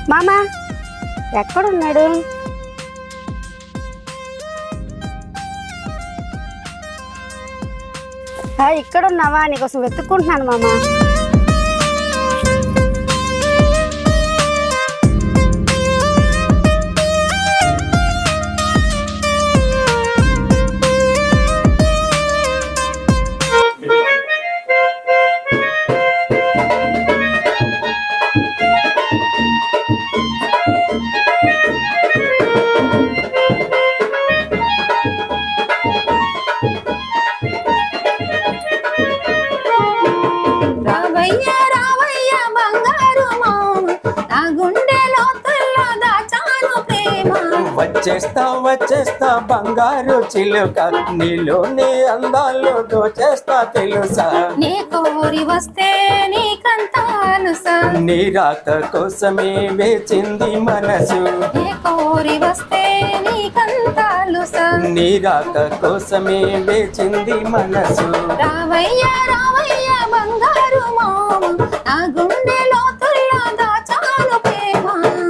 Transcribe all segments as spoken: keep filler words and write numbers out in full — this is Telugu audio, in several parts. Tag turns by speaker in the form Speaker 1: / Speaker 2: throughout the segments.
Speaker 1: మామా ఎక్కడున్నాడు? ఇక్కడ ఉన్నావా? నీకోసం వెతుక్కుంటున్నాను మామా.
Speaker 2: వచ్చేస్తా వచ్చేస్తా బంగారు చిలుక, నీలోని అందాలు దోచేస్తా తెలుసా.
Speaker 3: నీ కోరి వస్తే నీకంతా అలుసా,
Speaker 2: నీ రాక కోసమే వేచింది మనసు.
Speaker 3: నీ కోరి వస్తే నీకంతా అలుసా,
Speaker 2: నీ రాక కోసమే వేచింది మనసు.
Speaker 3: రావయ్య రావయ్య బంగారు మామ, నా గుండె లోతుల్లో దాచాను ప్రేమ.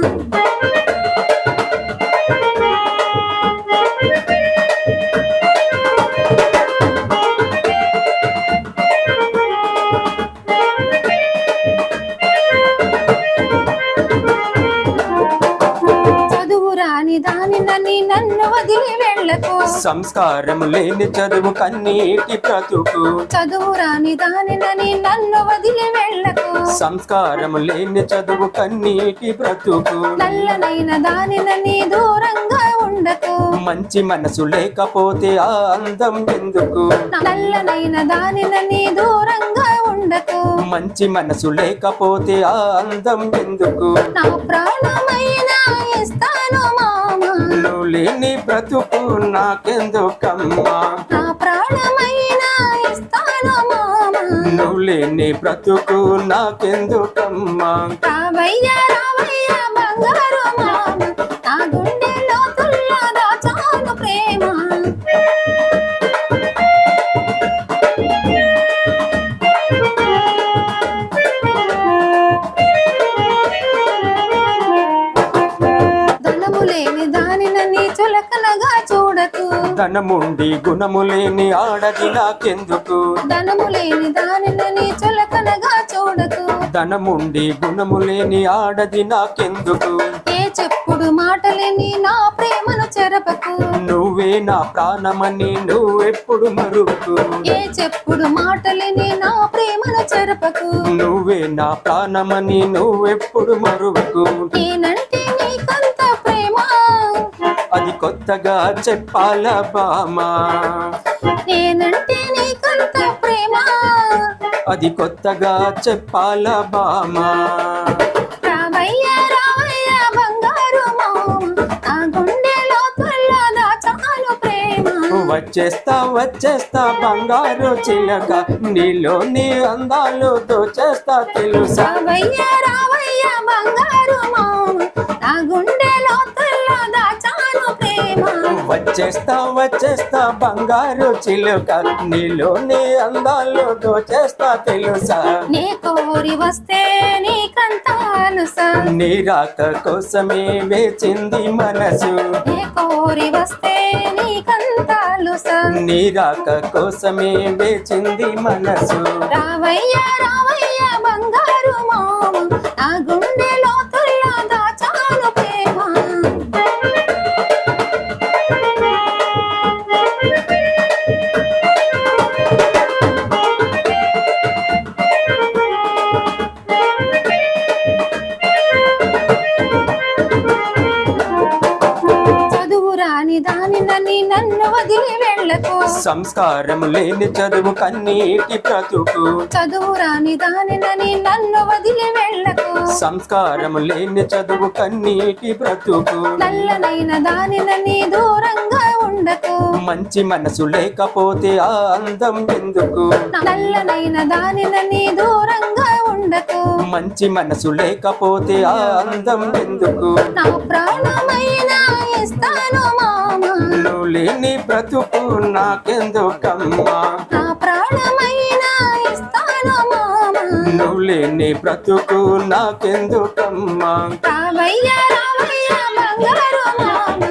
Speaker 3: దానినని నన్ను వదిలి వెళ్ళకు,
Speaker 2: సంస్కారం లేని చదువు కన్నీటి బ్రతుకు.
Speaker 3: చదువు రాని దానినని నన్ను వదిలి వెళ్ళకు,
Speaker 2: సంస్కారం లేని చదువు కన్నీటి బ్రతుకు.
Speaker 3: నల్లనైన దానినని దూరంగా ఉండకు,
Speaker 2: మంచి మనసు లేకపోతే ఆ అందం ఎందుకు.
Speaker 3: నల్లనైన దానినని దూరంగా ఉండకు,
Speaker 2: మంచి మనసు లేకపోతే ఆ అందం ఎందుకు.
Speaker 3: నా ప్రాణమైనా ఇస్తాను మామ,
Speaker 2: నువ్వు లేని బ్రతుకు నాకెందుకమ్మా.
Speaker 3: నా ప్రాణమైనా ఇస్తాను మామ,
Speaker 2: నువ్వు లేని బ్రతుకు నాకెందుకమ్మా.
Speaker 3: రావయ్య రావయ్య బంగారు మామ, నా గుండె లోతుల్లో దాచాను ప్రేమ. చులకనగా చూడకు,
Speaker 2: ధనముండి గుణము లేని ఆడది నాకెందుకు.
Speaker 3: ధనము లేని దానిని చులకనగా చూడకు,
Speaker 2: ధనముండి గుణము లేని ఆడది నాకెందుకు.
Speaker 3: ఏ చెప్పుడు మాటలేని నా ప్రేమను చెరపకు,
Speaker 2: నువ్వే నా ప్రాణమని నువ్వెప్పుడు మరుపు.
Speaker 3: ఏ చెప్పుడు మాటలేని నా ప్రేమను చెరపకు,
Speaker 2: నువ్వే నా ప్రాణమని నువ్వెప్పుడు మరుపు.
Speaker 3: నేనంటే నీకంత ప్రేమ,
Speaker 2: అది కొత్తగా చెప్పాలా బామా.
Speaker 3: నేనంటే నీకంత ప్రేమ,
Speaker 2: అది కొత్తగా చెప్పాలా బామా.
Speaker 3: రావయ్య రావయ్య బంగారు మామ, నా గుండె లోతుల్లో దాచాను ప్రేమ.
Speaker 2: వచ్చేస్తా వచ్చేస్తా బంగారు చిలక, నీలోని అందాలు దోచేస్తా తెలుసా.
Speaker 3: రావయ్య రావయ్య బంగారు మామ, నా గుండె లోతుల్లో దాచాను ప్రేమ.
Speaker 2: వచ్చేస్తా వచ్చేస్తా బంగారు చిలుక, నీలోని అందాలు దోచేస్తా తెలుసా.
Speaker 3: నీ కోరి వస్తే నీకంతా అలుసా,
Speaker 2: నీ రాక కోసమే వేచింది మనసు.
Speaker 3: నీ కోరి వస్తే నీకంతా అలుసా,
Speaker 2: నీ రాక కోసమే వేచింది మనసు.
Speaker 3: రావయ్య రావయ్య బంగారు మామ, నా గుండె లోతుల్లో దాచాను ప్రేమ. చదువు రాని దానినని నన్ను వదిలి వెళ్ళకు,
Speaker 2: సంస్కారం లేని చదువు కన్నీటి బ్రతుకు.
Speaker 3: చదువు రాని దానినని నన్ను వదిలి వెళ్ళకు,
Speaker 2: సంస్కారం లేని చదువు కన్నీటి బ్రతుకు.
Speaker 3: నల్లనైన దానినని దూరంగా ఉండకు,
Speaker 2: మంచి మనసు లేకపోతే ఆ అందం ఎందుకు.
Speaker 3: నల్లనైన దానినని దూరంగా ఉండకు,
Speaker 2: మంచి మనసు లేకపోతే ఆ అందం ఎందుకు.
Speaker 3: నా ప్రాణమైనా ఇస్తాను మామ,
Speaker 2: నువ్వు లేని బ్రతుకు నాకెందుకమ్మా.
Speaker 3: నా ప్రాణమైనా ఇస్తాను మామ,
Speaker 2: నువ్వు లేని బ్రతుకు నాకెందుకమ్మా
Speaker 3: రామయ్య రామయ్య బంగారు మామ